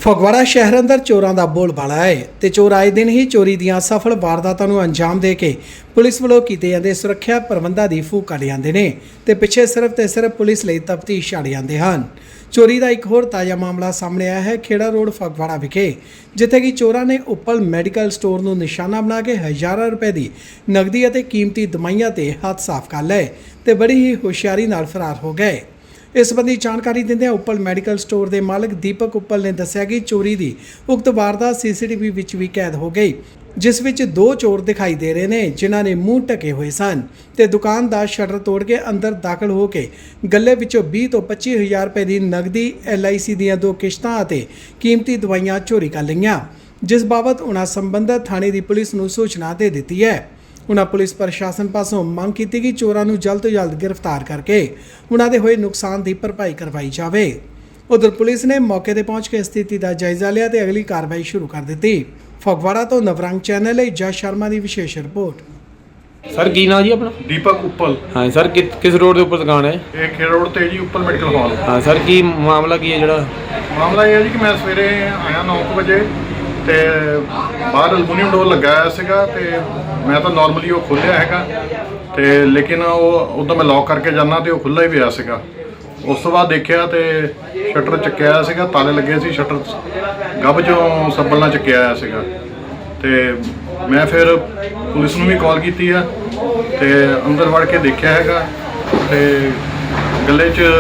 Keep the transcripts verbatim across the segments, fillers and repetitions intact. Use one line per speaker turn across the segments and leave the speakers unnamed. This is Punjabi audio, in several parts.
ਫਗਵਾੜਾ ਸ਼ਹਿਰ ਅੰਦਰ ਚੋਰਾਂ ਦਾ ਬੋਲਬਾਲਾ ਹੈ ਤੇ ਚੋਰ ਆਏ ਦਿਨ ਹੀ ਚੋਰੀ ਦੀਆਂ ਸਫਲ ਵਾਰਦਾਤਾਂ ਨੂੰ ਅੰਜਾਮ ਦੇ ਕੇ ਪੁਲਿਸ ਵੱਲੋਂ ਕੀਤੇ ਜਾਂਦੇ ਸੁਰੱਖਿਆ ਪ੍ਰਬੰਧਾਂ ਦੀ ਫੂਕ ਕੱਢ ਜਾਂਦੇ ਨੇ ਤੇ ਪਿੱਛੇ ਸਿਰਫ ਤੇ ਸਿਰਫ ਪੁਲਿਸ ਲਈ ਤਫਤੀਸ਼ ਛੱਡ ਜਾਂਦੇ ਹਨ। ਚੋਰੀ ਦਾ ਇੱਕ ਹੋਰ ਤਾਜ਼ਾ ਮਾਮਲਾ ਸਾਹਮਣੇ ਆਇਆ ਹੈ ਖੇੜਾ ਰੋਡ ਫਗਵਾੜਾ ਵਿਖੇ, ਜਿੱਥੇ ਕਿ ਚੋਰਾਂ ਨੇ ਉੱਪਲ ਮੈਡੀਕਲ ਸਟੋਰ ਨੂੰ ਨਿਸ਼ਾਨਾ ਬਣਾ ਕੇ ਹਜ਼ਾਰਾਂ ਰੁਪਏ ਦੀ ਨਕਦੀ ਅਤੇ ਕੀਮਤੀ ਦਵਾਈਆਂ ਤੇ ਹੱਥ ਸਾਫ਼ ਕਰ ਲਏ ਤੇ ਬੜੀ ਹੀ ਹੁਸ਼ਿਆਰੀ ਨਾਲ ਫਰਾਰ ਹੋ ਗਏ। इस संबंधी जानकारी दिंदे उपल मैडिकल स्टोर के मालिक दीपक उपल ने दस्सिया कि चोरी की उक्त वारदात सीसीटीवी विच भी कैद हो गई, जिस विच दो चोर दिखाई दे रहे हैं जिन्हों ने मूँह ढके हुए सन ते दुकान का शटर तोड़ के अंदर दाखिल होकर गले विचों बीस तो पच्ची हज़ार रुपए की नकदी एल आई सी दीयां दो किश्तां अते कीमती दवाइयां चोरी कर लईआं, जिस बाबत उन्हां संबंधित थाणे की पुलिस नूं सूचना दे दी है। उन्होंने पुलिस प्रशासन पासों मांग की कि चोरों को जल्द तो जल्द गिरफ्तार करके उन्होंने होए नुकसान की भरपाई करवाई जाए। उधर पुलिस ने मौके पर पहुंच के स्थिति का जायजा लिया तो अगली कार्रवाई शुरू कर दी। फगवाड़ा तो नवरंग चैनल है जस शर्मा की विशेष रिपोर्ट।
सर की नाम जी अपना?
दीपक उपल।
हाँ सर, कि, किस रोड के उपर दुकान है?
ये खेड़ रोड ते जी उपल मेडिकल हॉल।
हाँ सर, की मामला की है जड़ा?
मामला ये है जी कि मैं सवेरे आया नौ बजे ਤੇ ਬਾਹਰ ਅਲਮੂਨੀਅਮ ਡੋਰ ਲੱਗਾ ਹੋਇਆ ਸੀਗਾ ਤੇ ਮੈਂ ਤਾਂ ਨਾਰਮਲੀ ਉਹ ਖੋਲ੍ਹਿਆ ਹੈਗਾ ਤੇ ਲੇਕਿਨ ਉਹ ਉਦੋਂ ਮੈਂ ਲੌਕ ਕਰਕੇ ਜਾਣਾ ਤੇ ਉਹ ਖੁੱਲ੍ਹਾ ਹੀ ਪਿਆ ਸੀਗਾ। ਉਸ ਤੋਂ ਬਾਅਦ ਦੇਖਿਆ ਤੇ ਸ਼ਟਰ ਚੱਕਿਆ ਹੋਇਆ ਸੀਗਾ, ਤਾਲੇ ਲੱਗੇ ਸੀ, ਸ਼ਟਰ ਗੱਭ ਚੋਂ ਸੱਬਲ ਨਾਲ ਚੱਕਿਆ ਹੋਇਆ ਸੀਗਾ ਤੇ ਮੈਂ ਫਿਰ ਪੁਲਿਸ ਨੂੰ ਵੀ ਕਾਲ ਕੀਤੀ ਆ ਤੇ ਅੰਦਰ ਵੜ ਕੇ ਦੇਖਿਆ ਹੈਗਾ ਤੇ ਗੱਲੇ 'ਚ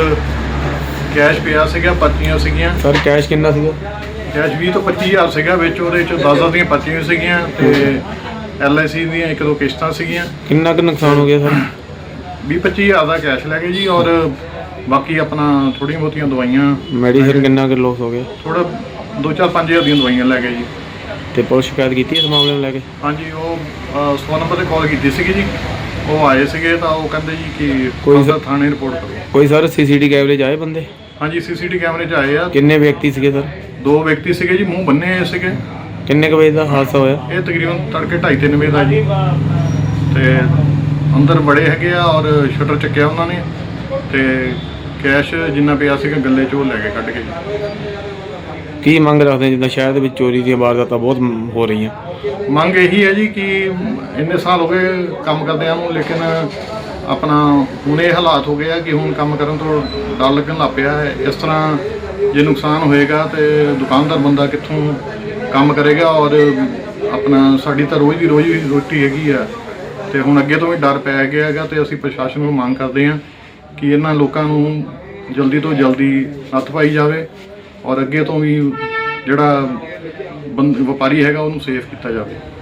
ਕੈਸ਼ ਪਿਆ ਸੀਗਾ, ਪਰਚੀਆਂ ਸੀਗੀਆਂ।
ਸਰ ਕੈਸ਼ ਕਿੰਨਾ ਸੀਗਾ?
ਕੈਸ਼ ਵੀਹ ਤੋਂ ਪੱਚੀ ਹਜ਼ਾਰ ਸੀਗਾ, ਵਿੱਚ ਉਹਦੇ 'ਚ ਦਸ ਦਸ ਦੀਆਂ ਪਰਚੀਆਂ ਸੀਗੀਆਂ ਤੇ ਐਲ ਆਈ ਸੀ ਦੀਆਂ ਇੱਕ ਦੋ ਕਿਸ਼ਤਾਂ ਸੀਗੀਆਂ।
ਕਿੰਨਾ ਕੁ ਨੁਕਸਾਨ ਹੋ ਗਿਆ ਸਰ?
ਵੀਹ ਪੱਚੀ ਹਜ਼ਾਰ ਦਾ ਕੈਸ਼ ਲੈ ਗਏ ਜੀ ਔਰ ਬਾਕੀ ਆਪਣਾ ਥੋੜ੍ਹੀਆਂ ਬਹੁਤੀਆਂ ਦਵਾਈਆਂ।
ਮੈਡੀਸਨ ਕਿੰਨਾ ਕੁ ਲੋਸ ਹੋ ਗਿਆ?
ਥੋੜ੍ਹਾ ਦੋ ਚਾਰ ਪੰਜ ਹਜ਼ਾਰ ਦੀਆਂ ਦਵਾਈਆਂ ਲੈ ਗਏ ਜੀ।
ਤੇ ਪੁਲਿਸ ਸ਼ਿਕਾਇਤ ਕੀਤੀ ਇਸ ਮਾਮਲੇ ਨੂੰ ਲੈ ਕੇ?
ਹਾਂਜੀ, ਉਹ ਸੌ ਨੰਬਰ 'ਤੇ ਕਾਲ ਕੀਤੀ ਸੀਗੀ ਜੀ, ਉਹ ਆਏ ਸੀਗੇ ਤਾਂ ਉਹ ਕਹਿੰਦੇ ਜੀ ਕਿ
ਕੋਈ
ਥਾਣੇ ਰਿਪੋਰਟ ਕਰੋ।
ਕੋਈ ਸਰ ਸੀ ਸੀ ਟੀ ਕੈਮਰੇ 'ਚ ਆਏ ਬੰਦੇ?
ਹਾਂਜੀ, ਸੀ ਸੀ ਟੀ ਕੈਮਰੇ 'ਚ ਆਏ ਆ।
ਕਿੰਨੇ ਵਿਅਕਤੀ ਸੀਗੇ ਸਰ? ਦੋ
ਵਿਅਕਤੀ ਸੀਗੇ ਜੀ, ਮੂੰਹ ਬੰਨੇ ਹੋਏ ਸੀਗੇ।
ਕਿੰਨੇ ਕੁ ਵਜੇ ਦਾ ਹਾਦਸਾ ਹੋਇਆ?
ਇਹ ਤਕਰੀਬਨ ਤੜਕੇ ਢਾਈ ਤਿੰਨ ਵਜੇ ਦਾ ਜੀ ਤੇ ਅੰਦਰ ਬੜੇ ਹੈਗੇ ਆ ਔਰ ਸ਼ਟਰ ਚੱਕਿਆ ਉਹਨਾਂ ਨੇ ਤੇ ਕੈਸ਼ ਜਿੰਨਾ ਪਿਆ ਸੀਗਾ ਗੱਲੇ 'ਚ ਉਹ ਲੈ ਕੇ ਕੱਢ ਕੇ ਜੀ।
ਕੀ ਮੰਗ ਰੱਖਦੇ ਜਿੱਦਾਂ ਸ਼ਹਿਰ ਦੇ ਵਿੱਚ ਚੋਰੀ ਦੀਆਂ ਵਾਰਦਾਤਾਂ ਬਹੁਤ ਹੋ ਰਹੀਆਂ?
ਮੰਗ ਇਹੀ ਹੈ ਜੀ ਕਿ ਇੰਨੇ ਸਾਲ ਹੋ ਗਏ ਕੰਮ ਕਰਦਿਆਂ ਨੂੰ, ਲੇਕਿਨ ਆਪਣਾ ਹੁਣ ਇਹ ਹਾਲਾਤ ਹੋ ਗਏ ਆ ਕਿ ਹੁਣ ਕੰਮ ਕਰਨ ਤੋਂ ਡਰ ਲੱਗਣ ਲੱਗ ਪਿਆ ਹੈ। ਇਸ ਤਰ੍ਹਾਂ ਜੇ ਨੁਕਸਾਨ ਹੋਏਗਾ ਤੇ ਦੁਕਾਨਦਾਰ ਬੰਦਾ ਕਿੱਥੋਂ ਕੰਮ ਕਰੇਗਾ ਔਰ ਆਪਣਾ ਸਾਡੀ ਤਾਂ ਰੋਜ਼ ਦੀ ਰੋਜ਼ ਦੀ ਰੋਟੀ ਹੈਗੀ ਆ ਤੇ ਹੁਣ ਅੱਗੇ ਤੋਂ ਵੀ ਡਰ ਪੈ ਗਿਆ ਹੈਗਾ ਤੇ ਅਸੀਂ ਪ੍ਰਸ਼ਾਸਨ ਨੂੰ ਮੰਗ ਕਰਦੇ ਹਾਂ ਕਿ ਇਹਨਾਂ ਲੋਕਾਂ ਨੂੰ ਜਲਦੀ ਤੋਂ ਜਲਦੀ ਨੱਥ ਪਾਈ ਜਾਵੇ ਔਰ ਅੱਗੇ ਤੋਂ ਵੀ ਜਿਹੜਾ ਬੰਦ ਵਪਾਰੀ ਹੈਗਾ ਉਹਨੂੰ ਸੇਫ ਕੀਤਾ ਜਾਵੇ।